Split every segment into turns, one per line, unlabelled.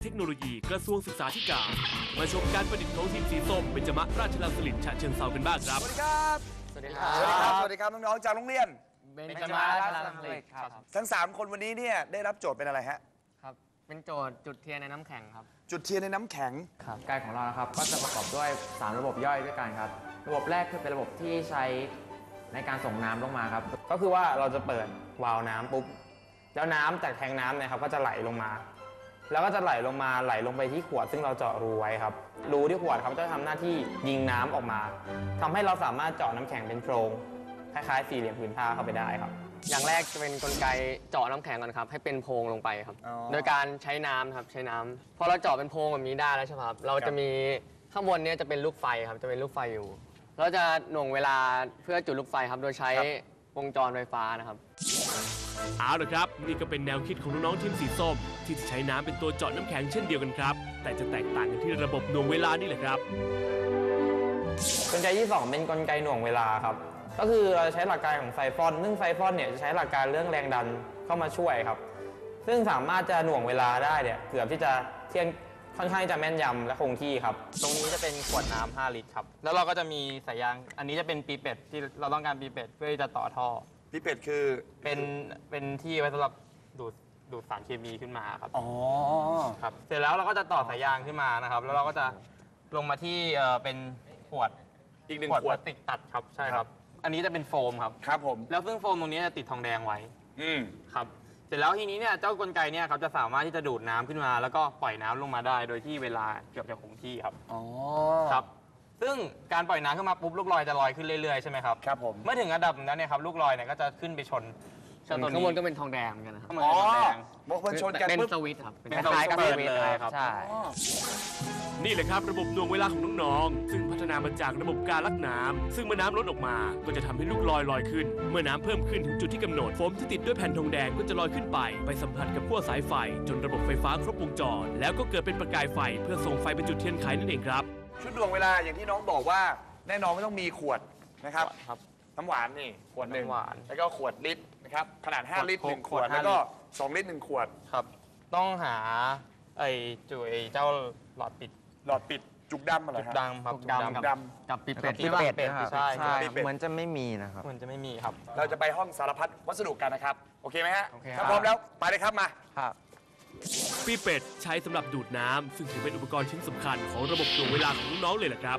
ทคโนโลยีกระทรวงศึกษาธิการมาชมการประดิษฐ์ของทีมสีส้มเบญจมราชรังสฤษฎ์ฉะเชิงเทรากันบ้างครับ
สวัสดีครับ
สวัสดีครับ
สวัสดีครับ สวัสดีครับน้องๆจากโรงเรียน
เบญจมาราชรังสฤษฎ์ครับ
ทั้ง3คนวันนี้เนี่ยได้รับโจทย์เป็นอะไรฮะ
ครับ เป็นโจทย์จุดเทียนในน้ำแข็งครับ
จุดเทียนในน้ำแข็ง
ครับกายของเรานะครับก็จะประกอบด้วย3ระบบย่อยด้วยกันครับระบบแรกคือเป็นระบบที่ใช้ในการส่งน้ำลงมาครับก็คือว่าเราจะเปิดวาล์วน้ำปุ๊บแล้วน้ำจากแทงน้ำเนี่ยครับก็จะไหลลงมาแล้วก็จะไหลลงไปที่ขวดซึ่งเราเจาะรูไว้ครับรูที่ขวดครับจะทำหน้าที่ยิงน้ำออกมาทำให้เราสามารถเจาะน้ำแข็งเป็นโพรงคล้ายๆสี่เหลี่ยมผืนผ้าเข้าไปได้ครับ
อย่างแรกจะเป็นกลไกเจาะน้ำแข็งก่อนครับให้เป็นโพรงลงไปครับ
อ๋อ
โดยการใช้น้ำครับใช้น้ำพอเราเจาะเป็นโพรงแบบนี้ได้แล้วใช่ไหมครับเราจะมีข้างบนเนี้จะเป็นลูกไฟครับจะเป็นลูกไฟอยู่เราจะหน่วงเวลาเพื่อจุดลูกไฟครับโดยใช้วงจรไฟฟ้านะครับ
เอาละครับนี่ก็เป็นแนวคิดของน้องๆทีมสีส้มที่จะใช้น้ำเป็นตัวเจาะน้ำแข็งเช่นเดียวกันครับแต่จะแตกต่างกันที่ระบบหน่วงเวลานี่แหละครับ
กลไกที่2เป็นกลไกหน่วงเวลาครับก็คือเราใช้หลักการของไซฟอนซึ่งไซฟอนเนี่ยจะใช้หลักการเรื่องแรงดันเข้ามาช่วยครับซึ่งสามารถจะหน่วงเวลาได้เนี่ยเกือบที่จะเทียนค่อนข้างจะแม่นยำและคงที่ครับตรงนี้จะเป็นขวดน้ำ5 ลิตรครับแล้วเราก็จะมีสายยางอันนี้จะเป็นปีเป็ดที่เราต้องการปีเป็ดเพื่อที่จะต่อท่อ
พี่เป็ดคือ
เป็นที่ไว้สำหรับดูดสารเคมีขึ้นมาครับ
อ๋อ
ครับเสร็จแล้วเราก็จะต่อสายยางขึ้นมานะครับแล้วเราก็จะลงมาที่เป็นขวด
อีก1
ขวด
ขวด
พลาสติกตัดครับใช่ครับอันนี้จะเป็นโฟมครับ
ครับผม
แล้วซึ่งโฟมตรงนี้จะติดทองแดงไว้
อืม
ครับเสร็จแล้วทีนี้เนี่ยเจ้ากลไกเนี่ยครับจะสามารถที่จะดูดน้ำขึ้นมา แล้วก็ปล่อยน้ำลงมาได้โดยที่เวลาเกือบจะคงที่ครับ
อ๋อ
ครับซึ่งการปล่อยน้ำขึ้นมาปุ๊บลูกลอยจะลอยขึ้นเรื่อยๆใช่ไหมครับ
ครับผม
เมื่อถึงระดับนั้นเนี่ยครับลูกลอยเนี่ยก็จะขึ้นไปชนเจ้าตัว
ข้าง
นี้
บนก็เป็นทองแดงเหมือนกันนะครับ
มัน
อ๋อ
เป็นทองแดง
บอกมันชนกัน
เป็น
ปุ๊บ
สวิตช์ครับ
เป็นคล้ายๆกับสวิตช์เลยครับ
ใช่
อ๋อ
นี่แหละครับระบบหน่วงเวลาของน้องๆซึ่งพัฒนามาจากระบบการลักน้ำซึ่งเมื่อน้ำล้นออกมาก็จะทำให้ลูกลอยขึ้นเมื่อน้ำเพิ่มขึ้นถึงจุดที่กำหนดโฟมที่ติดด้วยแผ่นทองแดงก็จะลอยขึ้นไปสัมผัสกับขั้วสายไฟจนระบบไฟฟ้าครบวงจรแล้วก็เกิดเป็นประกายไฟเพื่อส่งไฟไปจุดเทียนไขนั่นเองครับ
ชุดดวงเวลาอย่างที่น้องบอกว่าแน่นอนไม่ต้องมีขวดนะครับ
ครับ
น้ำหวานนี่ขวดหนึ่ง
น้ำหวาน
แล้วก็ขวดลิตรนะครับขนาด5 ลิตร1 ขวด
ขวด5
แล้วก็2 ลิตร1 ขวด
ครับต้องหาไอ้เจ้าหลอดปิด
หลอดปิดจุกดำอะไร
จุด
ฮะ
ดำครับ
จุกดำ
จุ
ด
กับปีเป็ด
ที่เป็ดนะครับใช่
ปีเป็ด
เหมือนจะไม่มีนะครับ
มันจะไม่มีครับ
เราจะไปห้องสารพัดวัสดุกันนะครับ โอเคไหมฮะ
โอเคครับ
ถ้าพร้อมแล้วไปเลยครับมา
ครับ
ปีเป็ดใช้สำหรับดูดน้ำซึ่งถือเป็นอุปกรณ์ชิ้นสำคัญของระบบหน่วงเวลาของน้องๆเลยแหละครับ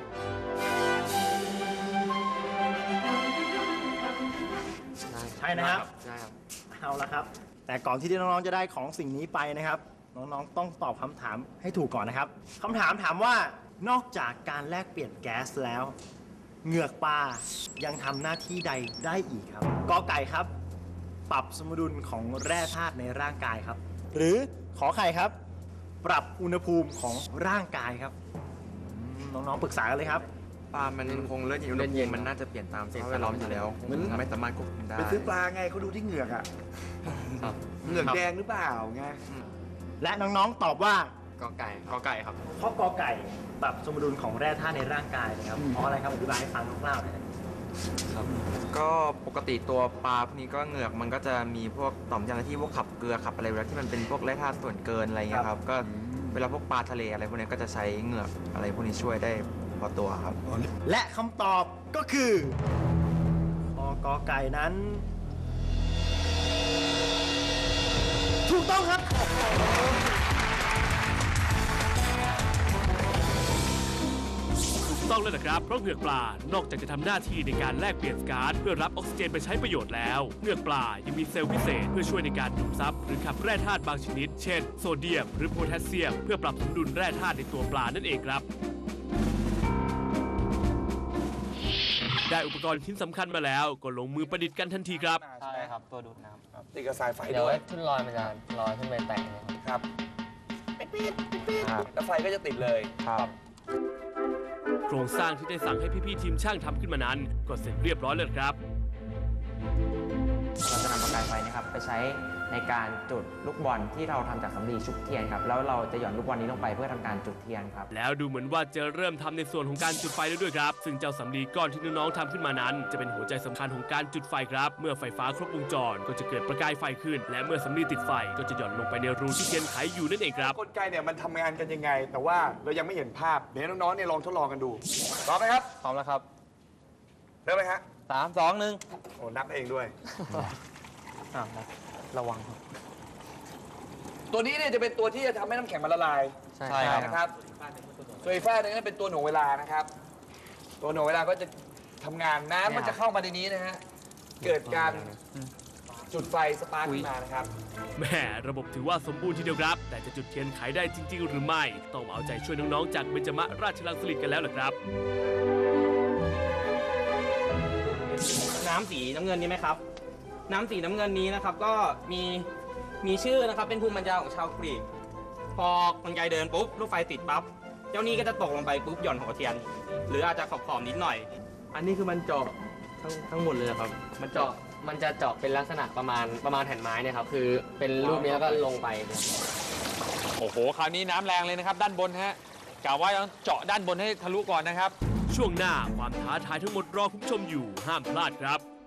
ใช่นะครับ
ใช่ครับ
เอาละครับ แต่ก่อนที่น้องๆจะได้ของสิ่งนี้ไปนะครับ น้องๆต้องตอบคำถามให้ถูกก่อนนะครับคำถามถามว่านอกจากการแลกเปลี่ยนแก๊สแล้ว เหงือกปลายังทำหน้าที่ใดได้อีกครับกอไก่ครับ ปรับสมดุลของแร่ธาตุในร่างกายครับ หรือขอไข่ครับ ปรับอุณหภูมิของร่างกายครับน้องๆปรึกษากันเลยครับ
ปลามันคงเลือดเย็นอุณหภูมิมันน่าจะเปลี่ยนตามสภาพแวดล้อมอยู่แล้วไม่สามารถควบคุมได้
ไปซื้อปลาไงเขาดูที่เหงือกอะ
ครับ
เหงือกแดงหรือเปล่าไง
และน้องๆตอบว่าก
อไก่
กอไก่ครับ
เพราะกอไก่ปรับสมดุลของแร่ธาตุในร่างกายนะครับเพราะอะไรครับอธิบายให้ฟังคร่าวๆหน่อยนะครับ
ก็ปกติตัวปลาพวกนี้ก็เหงือกมันก็จะมีพวกต่อมยางที่พวกขับเกลือขับอะไรเวลาที่มันเป็นพวกแร่ธาตุส่วนเกินอะไรเงี้ยครับก็เวลาพวกปลาทะเลอะไรพวกนี้ก็จะใช้เหงือกอะไรพวกนี้ช่วยได้พอตัวครับ
และคำตอบก็คือข้อกอไก่นั้น ถูกต้องครับ
ถูกต้องแล้วนะครับเพราะเหงือกปลานอกจากจะทำหน้าที่ในการแลกเปลี่ยนก๊าซเพื่อรับออกซิเจนไปใช้ประโยชน์แล้วเหงือกปลายังมีเซลล์พิเศษเพื่อช่วยในการดูดซับหรือขับแร่ธาตุบางชนิด เช่นโซเดียมหรือโพแทสเซียมเพื่อปรับสมดุลแร่ธาตุในตัวปลานั่นเองครับได้อุปกรณ์ชิ้นสำคัญมาแล้วก็ลงมือประดิษฐ์กันทันทีครับ
ใช่ครับตัวดูดน้ำ
ติดกับสายไฟ
เดี๋ยว
ด้วย
ขึ้นลอยมันจะลอยขึ้นไปแตะเนี่ยครับ
ครับแล้วไฟก็จะติดเลย
ครับ
โครงสร้างที่ได้สั่งให้พี่ๆทีมช่างทำขึ้นมานั้นก็เสร็จเรียบร้อยแล้วครับ
เราจะนำประกายไฟนะครับไปใช้ในการจุดลูกบอลที่เราทำจากสำลีชุบเทียนครับแล้วเราจะหย่อนลูกบอลนี้ลงไปเพื่อทำการจุดเทียนครับ
แล้วดูเหมือนว่าจะเริ่มทำในส่วนของการจุดไฟแล้วด้วยครับ ซึ่งเจ้าสำลีก้อนที่น้องๆทำขึ้นมานั้น จะเป็นหัวใจสำคัญของการจุดไฟครับ เมื่อไฟฟ้าครบวงจรก็จะเกิดประกายไฟขึ้น และเมื่อสำลีติดไฟก็จะหย่อนลงไปในรูที่เทียนไขอยู่นั่นเองครับ
กลไกเนี่ยมันทำงานกันยังไง แต่ว่าเรายังไม่เห็นภาพ เดี๋ยวให้น้องๆเนี่ยลองทดลองกันดูพร้อมไหมครับ
พร้อมแล้วครับ
เริ่มไหมฮะ
3 2 1
โอ้นับเองด้วย
ระวังครับ
ตัวนี้เนี่ยจะเป็นตัวที่จะทำให้น้ำแข็งมันละลาย
ใช่ครับ
นะครับส่วนอีกฝ้ายหนึงนั่นเป็นตัวหน่วงเวลานะครับ ตัวหน่วงเวลาก็จะทำงานน้ำมันจะเข้ามาในนี้นะฮะ เกิดการจุดไฟสปาร์คขึ้นมานะครับ
แหม่ระบบถือว่าสมบูรณ์ทีเดียวครับ แต่จะจุดเทียนไขได้จริง ๆ หรือไม่ ต้องมาเอาใจช่วยน้องๆจากเบญจมราชรังสฤษฎ์กันแล้วล่ะครับ
น้ำสีน้ำเงินนี้ไหมครับ น้ำสีน้ำเงินนี้นะครับก็มีชื่อนะครับเป็นภูมิปัญญาของชาวกรีก พอกลไกเดินปุ๊บลูกไฟติดปั๊บเจ้านี่ก็จะตกลงไปปุ๊บหย่อนหัวเทียน หรืออาจจะขอบๆนิดหน่อย
อันนี้คือมันเจาะทั้งหมดเลยครับ
มันจะเจาะเป็นลักษณะประมาณแผ่นไม้เนี่ยครับคือเป็นรูปนี้แล้วก็ลงไปเนี่ย
โอ้โห คราวนี้น้ำแรงเลยนะครับ ด้านบนฮะกะว่าต้องเจาะด้านบนให้ทะลุก่อนนะครับ
ช่วงหน้าความท้าทายทั้งหมดรอคุณผู้ชมอยู่ห้ามพลาดครับ